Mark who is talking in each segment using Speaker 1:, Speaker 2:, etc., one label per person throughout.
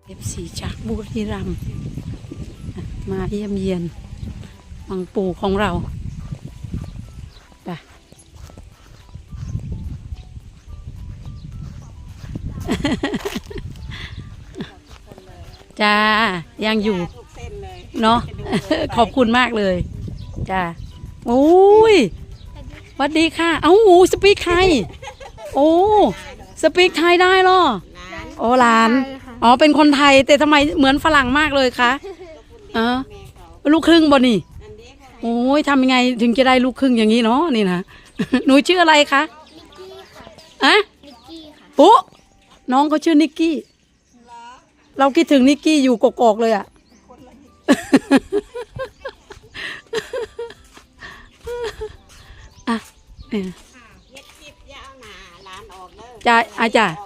Speaker 1: FC จากบุรีรัมย์มาเยี่ยมเยียนวังปู่ของเราไปจ้ายังอยู่เนาะ ขอบคุณมากเลยจ้าโอ้ยสวัสดีค่ะเอ้าสปีกไทยโอ้สปีกไทยได้หรอโอ้หลานอ๋อเป็นคนไทยแต่ทำไมเหมือนฝรั่งมากเลยคะลูกครึ่งบ่นี่โอ้ยทำยังไงถึงจะได้ลูกครึ่งอย่างนี้เนาะนี่นะ หนูชื่ออะไรคะนิกกี้ค่ะอะนิกกี้ค่ะปุ๊น้องเขาชื่อนิกกี้เราคิดถึงนิกกี้อยู่กกๆเลยอะอ่ะจ้าอาจารย์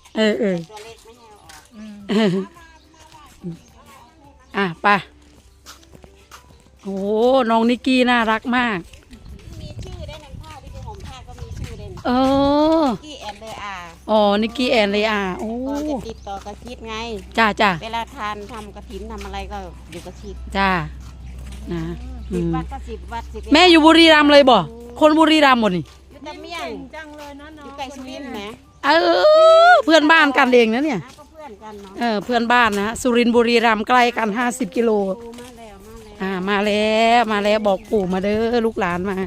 Speaker 1: ไปโอ้น้องนิกกี้น่ารักมาก
Speaker 2: มีชื่อได้ในผ้าที่เป็นห่มผ้าก็มีชื่อได้นิกกี้แอนเลอา
Speaker 1: อ๋อนิกกี้แอนเลอาโอ้
Speaker 2: จะติดต่อกระชิดไง
Speaker 1: จ้า
Speaker 2: เวลาทานทำกระถินทำอะไรก็อยู่กระชิด
Speaker 1: จ้านะ
Speaker 2: 10 วัดก็10 วัด
Speaker 1: แม่อยู่บุรีรัมย์เลยบ่คนบุรีรัมย์หมดนี่
Speaker 2: อยู่ตะเมียงจังเลยนะน้องอยู่ไกลสุรินทร์นะ
Speaker 1: เพื่อนบ้านกันเองนะเนี่ย
Speaker 2: ก็เพื่อนกันเนาะ
Speaker 1: เพื่อนบ้านนะสุรินทร์บุรีรัมย์ใกล้กัน50 กิโลมาแล้วบอกปู่มาเด้อลูกหลานมา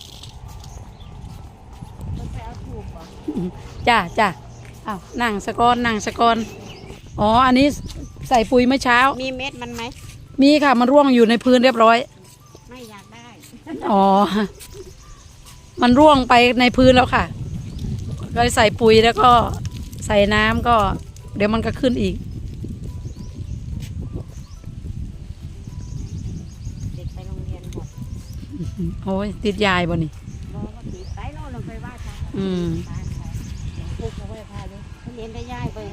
Speaker 1: จ้าอ้าวนั่งสะกอนอ๋ออันนี้ใส่ปุ๋ยเมื่อเช้า
Speaker 2: มีเม็ดมันไหม
Speaker 1: มีค่ะมันร่วงอยู่ในพื้นเรียบร้อย
Speaker 2: ไม่อยากได้
Speaker 1: อ๋อมันร่วงไปในพื้นแล้วค่ะก็ใส่ปุ๋ยแล้วก็ใส่น้ำก็เดี๋ยวมันก็ขึ้นอีก
Speaker 2: เด็กไปโรงเรียนหมด
Speaker 1: โอ้ยติดยายบ่นี่
Speaker 2: ติดไปโน่นลงไปว่าค่ะปลูกเอาไว้พาเลยเขาเรียนได้ย่ายไป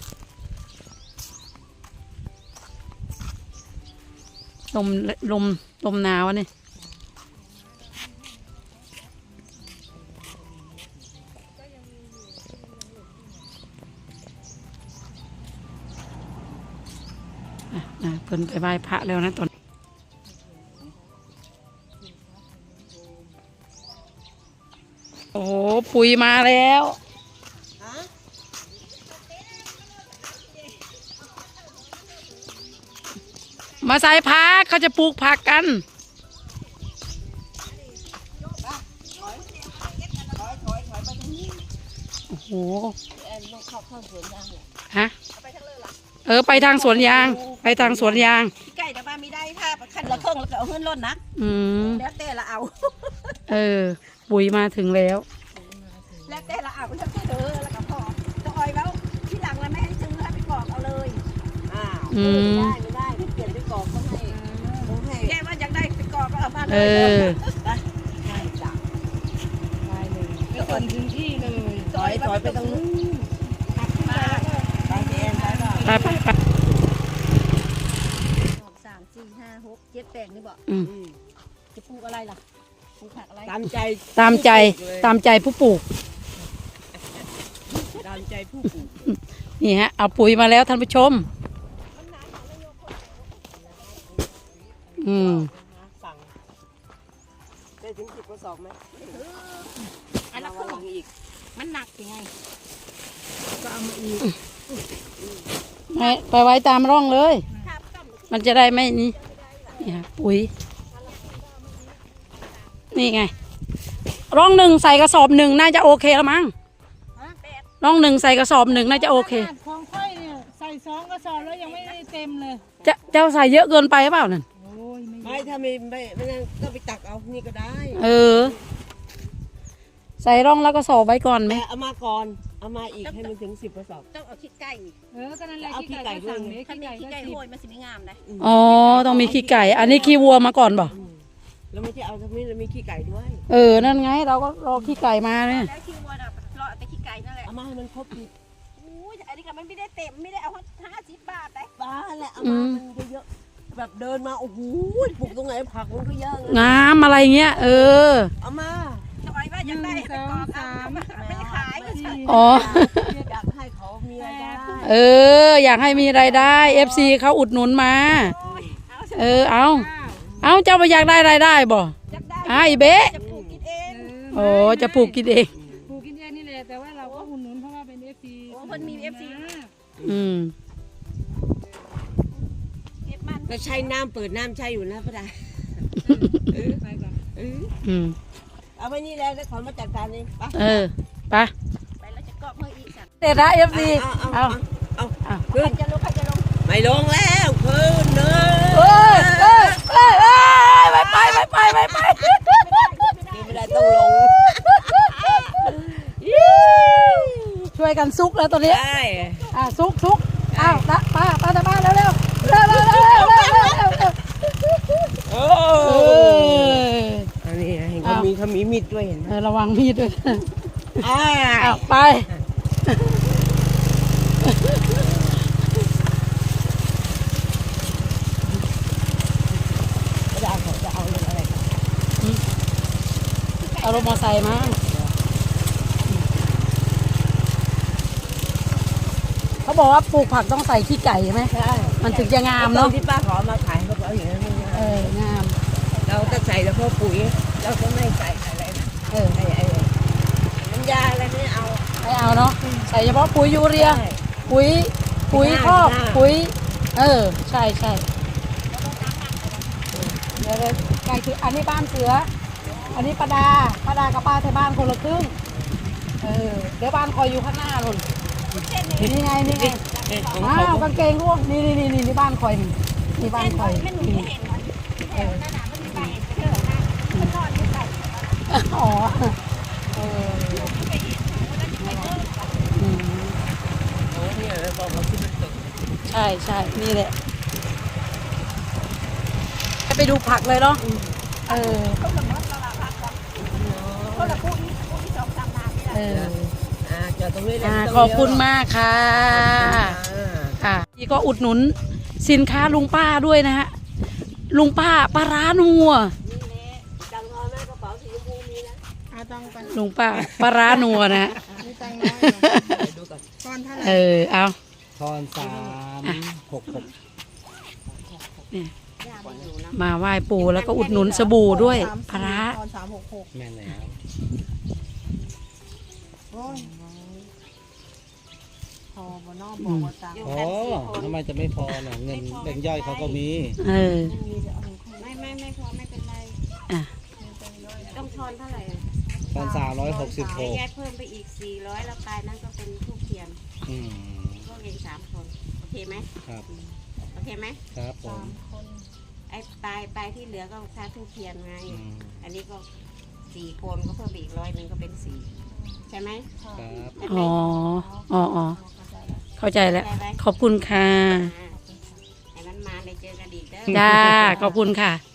Speaker 1: ลมหนาวนี่เพิ่นไปไหว้พระแล้วนะตอนโอ้ปุ๋ยมาแล้วมาใส่ผักเขาจะปลูกผักกันโอ้โหฮะไปทางสวนยางไปทางสวนยาง
Speaker 2: ไก่แต่ว่ามีได้ถ้าคันละเครื่องแล้วก็เอาขึ้นรถนะแล้วแต่ละเอา
Speaker 1: ปุ๋ยมาถึงแล้ว
Speaker 2: แล้วแต่ละเอาแล้วแต่เธอแล้วก็พอจะออยแล้วที่หลังเราไม่ให้ซื้อให้ไปกรอกเอาเลยไม่ได้เปลี่ยนไปกรอกก็ให้แกว่าอยากได้ไปกรอกก็เอามาเลยได้จ้ะได้เลยไปส่งพื้นที่เลยถอยไปตรงนู้น
Speaker 1: ไป3 4 5 6
Speaker 2: 7 8นี่บอกจะปลูกอะไรล่ะปลูกผักอะไร
Speaker 1: ตามใจผู้ปลูก
Speaker 2: ตามใจผู้ปลูก
Speaker 1: นี่ฮะเอาปุ๋ยมาแล้วท่านผู้ชม
Speaker 2: สั่งได้ถึง10 กระสอบไหมอันละก็อีกมันหนักยังไงก็เอามาอีก
Speaker 1: ไปไว้ตามร่องเลยมันจะได้ไม่นี่ฮะปุ๋ยนี่ไงร่อง1ใส่กระสอบ1น่าจะโอเคแล้วมั้งร่อง1ใส่กระสอบ1น่าจะโอเค
Speaker 3: ของค่อยเนี่ยใส่2 กระสอบแล้วยังไม่ได้เต็มเลย
Speaker 1: เจ้าใส่เยอะเกินไปหรือเปล่านั่น
Speaker 2: ไม่ถ้าไม่ก็ไปตักเอานี่ก็ได้
Speaker 1: ใส่ร่องแล้วก็สอบไว้ก่อนไหม
Speaker 2: เอามาก่อนเอามาอีกให้มันถึง10 กระสอบต้องเอาขี้ไก่
Speaker 3: ก็นั่นแหละขี้ไก่ด้วย
Speaker 2: ถ้ามีขี้ไก่โหยมันสิไม่งามเลย
Speaker 1: อ๋อต้องมีขี้ไก่อันนี้ขี้วัวมาก่อนบ่
Speaker 2: แล้วไม่ใช่เอาทั้งนี้แล้วมีขี้ไก่ด้วย
Speaker 1: นั่นไงเราก็รอขี้ไก่มาเนี่ย
Speaker 2: แล้วขี้วัวน่ะรอแต่ขี้ไก่นั่นแหละเอามาให้มันครบอีกอันนี้ก็มันไม่ได้เต็มไม่ได้เอา50 บาทได้บ้าแหละเอามามันเยอะแบบเดินมาโอ้โหปลูกตรงไหนผักมันก็เยอะ
Speaker 1: งามอะไรเงี้ย
Speaker 2: เอามาจะไว้ว่าอยากได้
Speaker 3: 1 2 3
Speaker 2: ไม่ขาย
Speaker 1: อ๋อ
Speaker 2: อยากให้เขามีอะไรได้
Speaker 1: เออ อยากให้มีรายได้ FC เขาอุดหนุนมา เอาเจ้าไปอยากได้รายได้บ่ไอ้เบ๊ะ
Speaker 2: จะปลูกกินเอง
Speaker 1: โอ้จะปลูกกินเอง
Speaker 3: ปลูกกินเองนี่แหละแต่ว่าเราก็อุดหนุนเพราะว่าเป็น FC
Speaker 2: โอ้คนมี FC
Speaker 1: อืม
Speaker 2: เก็บมัน
Speaker 4: เราใช้น้ำเปิดน้ำใช้อยู่นะพระดา
Speaker 3: ไปก่อน
Speaker 1: อืม
Speaker 4: เอาไว้นี่แล้วขอมาจัดการเองไป
Speaker 1: เออไป
Speaker 2: ไปแล้วจะเกาะเพิ่มอีกสัก
Speaker 1: เด็ดนะ FC เอา
Speaker 2: ใครจะลงใครจะลง
Speaker 4: ไม่ลงแล้วคืนเนอะ
Speaker 1: เอ้ยไป
Speaker 4: ไม่ได้ต้องลง
Speaker 1: ช่วยกันซุกแล้วตอนนี้
Speaker 4: ได้
Speaker 1: ซุกอ้าวป้าแต่บ้านเร็ว
Speaker 4: โอ้
Speaker 1: เออ
Speaker 4: อันนี้เห็นเขามีมีดด้วยเห็นไหม
Speaker 1: ระวังมีดด้วย
Speaker 4: อ่า
Speaker 1: ไป
Speaker 4: พระดาเขาจะเอาเรื่องอะไรกัน
Speaker 1: เอารถมอไซค์มาเขาบอกว่าปลูกผักต้องใส่ขี้ไก่ใช่ไหม
Speaker 4: ใช่
Speaker 1: มันถึงจะงาม
Speaker 4: ตอ
Speaker 1: เนาะ
Speaker 4: นที่ป้าขอมาขายเขาบอกเอาอย่างนั้นไม่ได้
Speaker 1: งาม
Speaker 4: เราก็ใส่แต่พวกปุ๋ยเราก็ไม่ใส่อะไรนะ
Speaker 1: ไ
Speaker 4: ไอ้น้ำยาอะไรไม่เอา
Speaker 1: ม่เอาเนาะใส่เฉพาะปุ๋ยยูเรีย
Speaker 4: ใช่
Speaker 1: ปุ๋ยคอก
Speaker 4: ได้
Speaker 1: ปุ๋ยใช่เดี๋ยวไก่คืออันนี้บ้านเสือ อันนี้ป้าดากับป้าที่บ้านคนละครึ่งเดี๋ยวบ้านคอยอยู่ข้างหน้าลุนนี่ไง
Speaker 4: ของ
Speaker 1: อ้า
Speaker 4: เขา
Speaker 1: วกางเกงร่วงนี่บ้านคอยนี่บ้านคอย
Speaker 2: ไม่หนูไม่เห็นมันเออนั่นน่ะมันมีใบเถอะนะมันนอนอยู่ใส่
Speaker 1: อ๋ออืม
Speaker 4: โอ้เนี่ยบอกเขาที่มันตก
Speaker 1: ใช่นี่แหละไปดูผักเลยเนาะ
Speaker 2: เขาละมดเราละพักก่อนเขาละพูดอีสองสามนานนี่แหละ
Speaker 4: จอดตรงนี้เลย
Speaker 1: ขอบคุณมากค่ะ ค่ะนี่ก็อุดหนุนสินค้าลุงป้าด้วยนะฮะ ลุงป้าปลาร้านัว
Speaker 4: จังงอแม่กระเป๋าสีชมพูมีนะ
Speaker 3: เอาตังค์ไป
Speaker 1: ลุงป้าปลาร้านัวนะฮะ
Speaker 3: มีตังค์น้อยเหรอ
Speaker 4: ดูก่อน
Speaker 3: ก้อนเท่าไหร่
Speaker 1: เอา
Speaker 5: ทอน366
Speaker 1: มาไหว้ปู่แล้วก็อุดหนุนสบู่ด้วยปลาร้า
Speaker 3: ตอน366
Speaker 5: แม่นแล้ว
Speaker 3: โอ้ยพอบ่นอกบอกว่าตังค์
Speaker 5: อ๋อทำไมจะไม่พอน่ะเงินแบ่งย่อยเขาก็มี
Speaker 2: ไม่พอไม่เป็นไร
Speaker 1: อ่ะ
Speaker 2: ต้องทอนเท่าไหร่
Speaker 5: ตอน
Speaker 2: ยาย
Speaker 5: 366
Speaker 2: เพิ่มไปอีก400แล้วปลายนั้นก็เป็นทูบเทียน
Speaker 5: อืม
Speaker 2: พวกเอง3 คนโอเคไหม
Speaker 5: ครับ
Speaker 2: โอเคไหม
Speaker 5: ครับผม
Speaker 2: ไอ้ปลายที่เหลือก็ค่าทูบเทียนไง
Speaker 5: อืม
Speaker 2: อันนี้ก็4 คนก็เพิ่มไปอีก100ก็เป็น4ใช่ไหม
Speaker 5: ครับ
Speaker 2: ใช่ไหม
Speaker 1: อ๋อเข้าใจแล้ว ขอบคุณค่ะ
Speaker 2: ให้มันมาเลยเจอกันอีกเด้อ
Speaker 1: จ้าขอบคุณค่ะ